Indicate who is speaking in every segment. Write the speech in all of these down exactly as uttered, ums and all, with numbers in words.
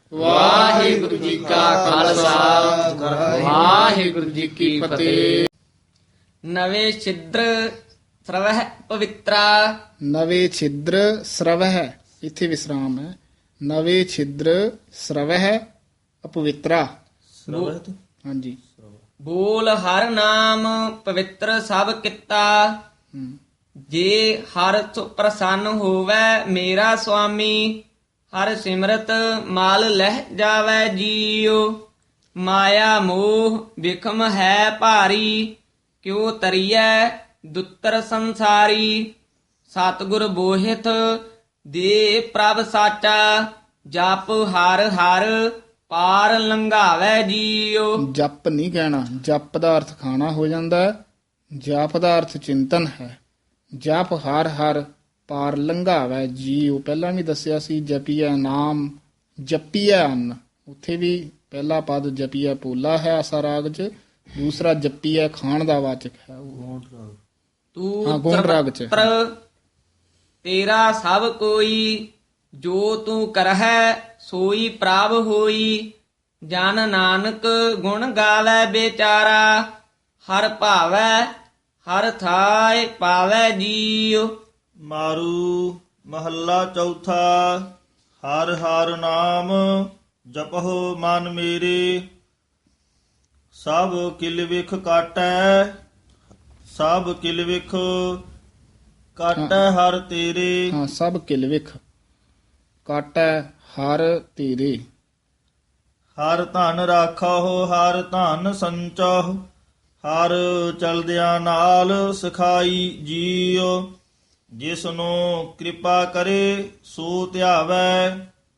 Speaker 1: ਵਾਹਿਗੁਰੂ ਜੀ ਕਾ ਖਾਲਸਾ ਵਾਹਿਗੁਰੂ ਜੀ ਕੀ ਫਤਿਹ।
Speaker 2: ਨਵੇਂ ਛਿਦਰ ਸਰਵਹਿ ਪਵਿੱਤਰਾ।
Speaker 3: ਨਵੇਂ ਛਿਦਰ ਸਰਵਹਿ, ਇੱਥੇ ਵਿਸਰਾਮ ਹੈ। ਨਵੇਂ ਛਿਦਰ ਸਰਵਹਿ ਅਪਵਿੱਤਰਾ। ਹਾਂਜੀ।
Speaker 2: ਬੋਲ ਹਰ ਨਾਮ ਪਵਿੱਤਰ ਸਭ ਕੀਤਾ।
Speaker 3: ਹਮ,
Speaker 2: ਜੇ ਹਰ ਸੁ ਪ੍ਰਸੰਨ ਹੋਵੈ ਮੇਰਾ ਸੁਆਮੀ। ਹਰ ਸਿਮਰਤ ਮਾਲ ਲਹਿ ਜਾਵੈ ਜੀਉ। ਮਾਇਆ ਮੋਹ ਵਿਖਮ ਹੈ ਭਾਰੀ। ਕਿਉ ਤਰੀਐ ਦੁੱਤਰ ਸੰਸਾਰੀ। ਸਤਿਗੁਰ ਬੋਹਿਥ ਦੇ ਪ੍ਰਭ ਸਾਚਾ। ਜਪ ਹਰ ਹਰ ਪਾਰ ਲੰਘਾਵੈ ਜੀਉ।
Speaker 3: ਜਪ ਨਹੀਂ ਕਹਿਣਾ, ਜਪ ਦਾ ਅਰਥ ਖਾਣਾ ਹੋ ਜਾਂਦਾ ਹੈ। ਜਪ ਦਾ ਅਰਥ ਚਿੰਤਨ ਹੈ। ਜਪ ਹਰ ਹਰ ਪਾਰ ਲੰਘਾਵੈ ਜੀਉ, ਪਹਿਲਾਂ ਵੀ ਦੱਸਿਆ ਸੀ। ਜਪੀਐ ਨਾਮ ਜਪੀਐ ਅੰਨ, ਉੱਥੇ ਵੀ ਪਹਿਲਾ ਪਦ ਜਪੀਐ ਪੋਲਾ ਹੈ ਆਸਾ ਰਾਗ ਚ, ਦੂਸਰਾ ਜਪੀਐ ਖਾਣ ਦਾ ਵਾਚਕ ਹੈ। ਉਹ ਹਾਂ,
Speaker 2: ਤੂੰ
Speaker 3: ਗੌਣ ਰਾਗ ਚ।
Speaker 2: ਸਰਬੱਤਰ ਤੇਰਾ ਸਭ ਕੋਈ। ਜੋ ਤੂੰ ਕਰਹਿ ਸੋਈ ਪ੍ਰਭ ਹੋਈ। ਜਨ ਨਾਨਕ ਗੁਣ ਗਾਵੈ ਬੇਚਾਰਾ। ਹਰ ਭਾਵੈ ਹਰ ਥਾਇ ਪਾਵੈ ਜੀਉ।
Speaker 4: ਮਾਰੂ ਮਹੱਲਾ ਚੌਥਾ। ਹਰ ਹਰ ਨਾਮ ਜਪਹੁ ਮਨ ਮੇਰੇ। ਸਭ ਕਿਲ ਵਿਖ ਕਾਟੈ। ਸਭ ਕਿਲ ਵਿਖ ਕਾਟੈ ਹਰ ਤੇਰੇ।
Speaker 3: ਹਾਂ, ਸਭ ਕਿਲਵਿਖ ਕਾਟੈ ਹਰ ਤੇਰੇ।
Speaker 4: ਹਰ ਧਨ ਰਾਖਹੁ ਹਰ ਧਨ ਸੰਚਹੁ। ਹਰ ਚਲਦਿਆਂ ਨਾਲ ਸਿਖਾਈ ਜੀਉ। ਜਿਸਨੂੰ ਕਿਰਪਾ ਕਰੇ ਸੋ ਧਿਆਵੈ।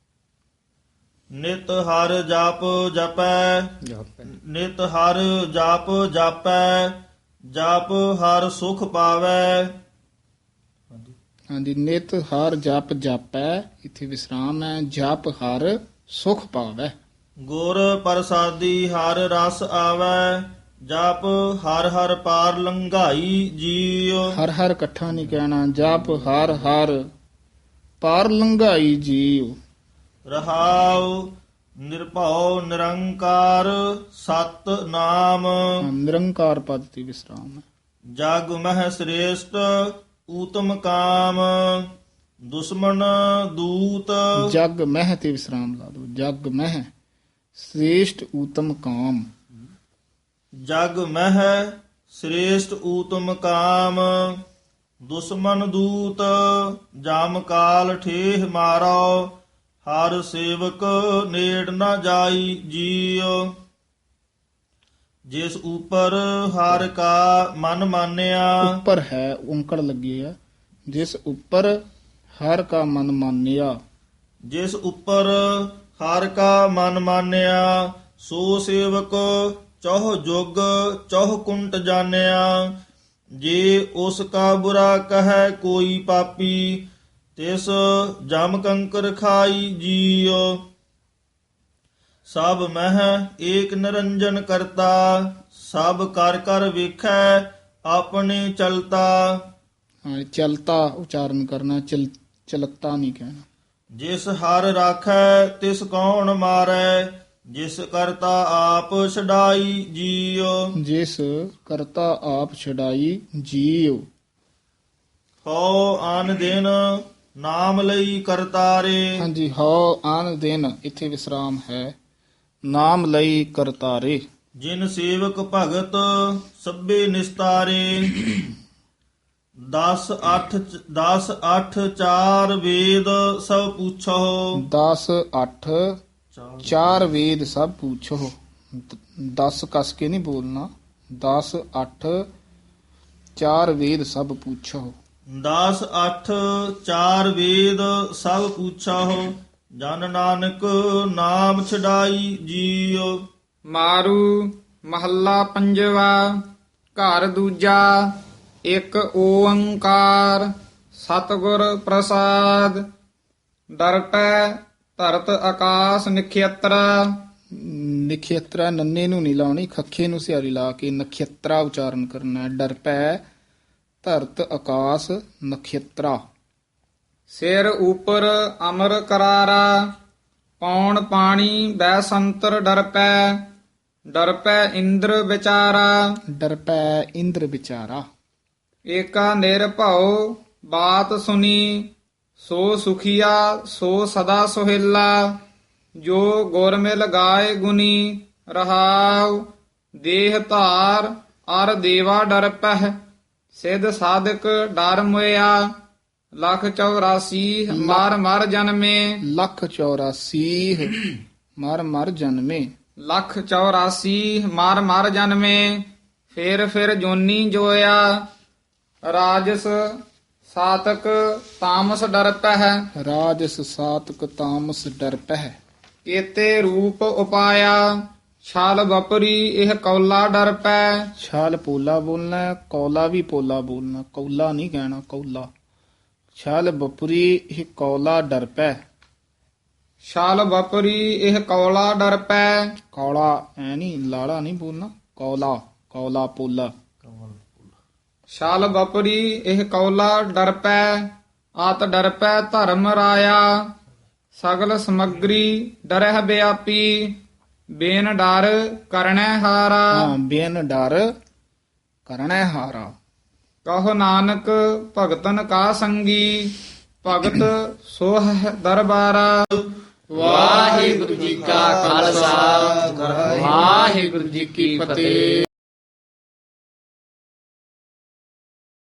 Speaker 4: ਨਿਤ ਹਰ ਜਪ ਜਪੈ। ਨਿਤ ਹਰ ਜਪ ਜਾਪੈ। ਜਪ ਹਰ ਸੁਖ ਪਾਵੈ।
Speaker 3: ਹਾਂਜੀ, ਨਿਤ ਹਰ ਜਪ ਜਾਪੈ, ਇੱਥੇ ਵਿਸਰਾਮ ਹੈ। ਜਪ ਹਰ ਸੁਖ ਪਾਵੈ।
Speaker 4: ਗੁਰ ਪ੍ਰਸਾਦੀ ਹਰ ਰਸ ਆਵੈ। ਜਪ ਹਰ ਹਰ ਪਾਰ ਲੰਘਾਈ ਜੀਉ।
Speaker 3: ਹਰ ਹਰ ਇਕੱਠਾ ਨਹੀਂ ਕਹਿਣਾ। ਜਪ ਹਰ ਹਰ ਪਾਰ ਲੰਘਾਈ ਜੀਉ।
Speaker 4: ਰਹਾਉ ਨਿਰਭਉ ਨਿਰੰਕਾਰ ਸਤ ਨਾਮ।
Speaker 3: ਨਿਰੰਕਾਰ ਪਦ ਤੇ ਵਿਸਰਾਮ ਹੈ।
Speaker 4: ਜਗ ਮਹਿ ਸ੍ਰੇਸ਼ਟ ਊਤਮ ਕਾਮ। ਦੁਸ਼ਮਨ ਦੂਤ।
Speaker 3: ਜਗ ਮਹਿ ਤੇ ਵਿਸਰਾਮ ਲਾ ਦੋ। ਜਗ ਮਹਿ ਸ੍ਰੇਸ਼ਟ ਊਤਮ ਕਾਮ।
Speaker 4: ਜਗ ਮਹਿ ਸ੍ਰੇਸ਼ਟ ਊਤਮ ਕਾਮ। ਦੁਸ਼ਮਨ ਦੂਤ ਜਾਮ ਕਾਲ ਠੇਹ ਮਾਰੋ। ਹਰ ਸੇਵਕ ਨੇੜ ਨਾ ਜਾਈ ਜੀਉ। ਜਿਸ ਉਪਰ ਹਰ ਕਾ ਮਨ ਮਾਨਿਆ।
Speaker 3: ਉੱਪਰ ਹੈ, ਔਂਕੜ ਲੱਗੀ ਹੈ। ਜਿਸ ਉੱਪਰ ਹਰ ਕਾ ਮਨ ਮਾਨਿਆ।
Speaker 4: ਜਿਸ ਉੱਪਰ ਹਰ ਕਾ ਮਨ ਮਾਨਿਆ। ਸੋ ਸੇਵਕ ਚੌਹ ਜੁਗ ਚੌਹ ਕੁੰਟ ਜਾਣਿਆ। ਜੇ ਉਸ ਕਾ ਬੁਰਾ ਕਹੈ ਕੋਈ ਪਾਪੀ। ਤਿਸ ਜਮ ਕੰਕਰ ਖਾਈ ਜੀਉ। ਸਭ ਮਹਿ ਏਕ ਨਿਰੰਜਨ ਕਰਤਾ। ਸਭ ਕਰ ਕਰ ਵੇਖੈ ਆਪਣੇ ਚਲਤਾ।
Speaker 3: ਹਾਂ, ਚਲਤਾ ਉਚਾਰਨ ਕਰਨਾ, ਚਲ ਚਲਤਾ ਨਹੀਂ ਕਹਿਣਾ।
Speaker 4: ਜਿਸ ਹਰ ਰਾਖੈ ਤਿਸ ਕੌਣ ਮਾਰੈ। ਜਿਸ ਕਰਤਾ ਆਪ ਛਡਾਈ ਜੀਉ।
Speaker 3: ਜਿਸ ਕਰਤਾ ਆਪ ਛਡਾਈ ਜੀਉ।
Speaker 4: ਹਉ ਆਨ ਦਿਨ ਨਾਮ ਲਈ ਕਰਤਾਰੇ।
Speaker 3: ਹਾਂਜੀ, ਹਉ ਆਨ ਦਿਨ, ਇੱਥੇ ਵਿਸਰਾਮ ਹੈ। ਨਾਮ ਲਈ ਕਰਤਾਰੇ।
Speaker 4: ਜਿਨ ਸੇਵਕ ਭਗਤ ਸਭੇ ਨਿਸਤਾਰੇ। ਦਸ ਅੱਠ ਦਸ ਅੱਠ ਚਾਰ ਵੇਦ ਸਭ ਪੁੱਛੋ।
Speaker 3: ਦਸ ਅੱਠ ਚਾਰ ਵੇਦ ਸਭ ਪੁੱਛੋ। ਦ- ਦਸ ਕਸ ਕੇ ਨਹੀਂ ਬੋਲਣਾ। ਦਸ ਅੱਠ ਚਾਰ ਵੇਦ ਸਭ ਪੁੱਛੋ।
Speaker 4: ਦਸ ਅੱਠ ਚਾਰ ਵੇਦ ਸਭ ਪੁੱਛੋ। ਜਨ ਨਾਨਕ ਨਾਮ ਛਡਾਈ ਜੀਉ।
Speaker 1: ਮਾਰੂ ਮਹੱਲਾ ਪੰਜਵਾ। ਘਰ ਦੂਜਾ। ਇੱਕ ਓੰਕਾਰ ਸਤਿਗੁਰ ਪ੍ਰਸਾਦ। ਡਰਟੈ ਧਰਤ ਆਕਾਸ ਨਖੇਤਰਾ।
Speaker 3: ਨਖੇਤਰਾ ਨੰਨੇ ਨੂੰ ਨਹੀਂ ਲਾਉਣੀ, ਖੱਖੇ ਨੂੰ ਸਿਆਰੀ ਲਾ ਕੇ ਨਖੇਤਰਾ ਉਚਾਰਨ ਕਰਨਾ ਹੈ। ਡਰ ਪੈ ਧਰਤ ਆਕਾਸ ਨਖੇਤਰਾ।
Speaker 1: ਸਿਰ ਉਪਰ ਅਮਰ ਕਰਾਰਾ।
Speaker 5: ਪੌਣ ਪਾਣੀ ਬੈ ਸੰਤਰ ਡਰ ਪੈ, ਡਰ ਪੈ ਇੰਦਰ ਵਿਚਾਰਾ।
Speaker 3: ਡਰ ਪੈ ਇੰਦਰ ਵਿਚਾਰਾ।
Speaker 5: ਏਕਾ ਨਿਰਭਉ ਬਾਤ ਸੁਨੀ, ਸੋ ਸੁਖੀਆ ਸੋ ਸਦਾ ਸੁਹੇਲਾ। ਜੋ ਗੁਰ ਮਿਲ ਗਾਏ ਗੁਨੀ, ਰਹਾਉ ਦੇਹ ਧਾਰ ਅਰ ਦੇਵਾ ਡਰ ਪਹਿ। ਸਿਧ ਸਾਧਕ ਡਰ ਮੁਇਆ, ਲੱਖ ਚੌਰਾਸੀ ਮਰ ਮਰ ਜਨਮੇ।
Speaker 3: ਲੱਖ ਚੌਰਾਸੀ ਮਰ ਮਰ ਜਨਮੇ।
Speaker 5: ਲੱਖ ਚੌਰਾਸੀ ਮਰ ਮਰ ਜਨਮੇ, ਫਿਰ ਫਿਰ ਜੋਨੀ ਜੋਇਆ। ਰਾਜਸ ਸਾਤਕ ਤਾਮਸ ਡਰ ਪਹਿ,
Speaker 3: ਰਾਜਸ ਸਾਤਕ ਤਾਮਸ ਡਰ ਪਹਿ।
Speaker 5: ਕੇਤੇ ਰੂਪ ਉਪਾਇਆ, ਛਾਲ ਵਪਰੀ ਇਹ ਕੌਲਾ ਡਰ ਪੈ।
Speaker 3: ਛਾਲ ਪੋਲਾ ਬੋਲਣਾ ਹੈ, ਕੌਲਾ ਵੀ ਪੋਲਾ ਬੋਲਣਾ, ਕੌਲਾ ਨਹੀਂ ਕਹਿਣਾ, ਕੌਲਾ। ਛਾਲ ਬਪੁਰੀ ਇਹ ਕੌਲਾ ਡਰ ਪੈ।
Speaker 5: ਛਾਲ ਵਪਰੀ ਇਹ ਕੌਲਾ ਡਰ ਪੈ।
Speaker 3: ਕੌਲਾ ਐ ਨਹੀਂ, ਲਾੜਾ ਨਹੀਂ ਬੋਲਣਾ, ਕੌਲਾ, ਕੌਲਾ ਪੋਲਾ।
Speaker 5: ਛਾਲ ਵਪਰੀ ਇਹ ਕੌਲਾ ਡਰ ਪੈ, ਆਤ ਡਰ ਪੈ ਧਰਮ ਰਾਇਆ। ਸਗਲ ਸਮਗਰੀ ਡਰਹਿ ਬਿਆਪੀ, ਬੇਨ ਡਰ ਕਰਣੈ ਹਾਰਾ।
Speaker 3: ਹਾਂ, ਬੇਨ ਡਰ ਕਰਣੈ ਹਾਰਾ।
Speaker 5: ਕਹੋ ਨਾਨਕ ਭਗਤਨ ਕਾ ਸੰਗੀ, ਭਗਤ ਸੋਹ ਦਰਬਾਰਾ।
Speaker 1: ਵਾਹਿਗੁਰੂ ਜੀ ਕਾ ਖਾਲਸਾ ਵਾਹਿਗੁਰੂ ਜੀ ਕੀ ਫਤਿਹ।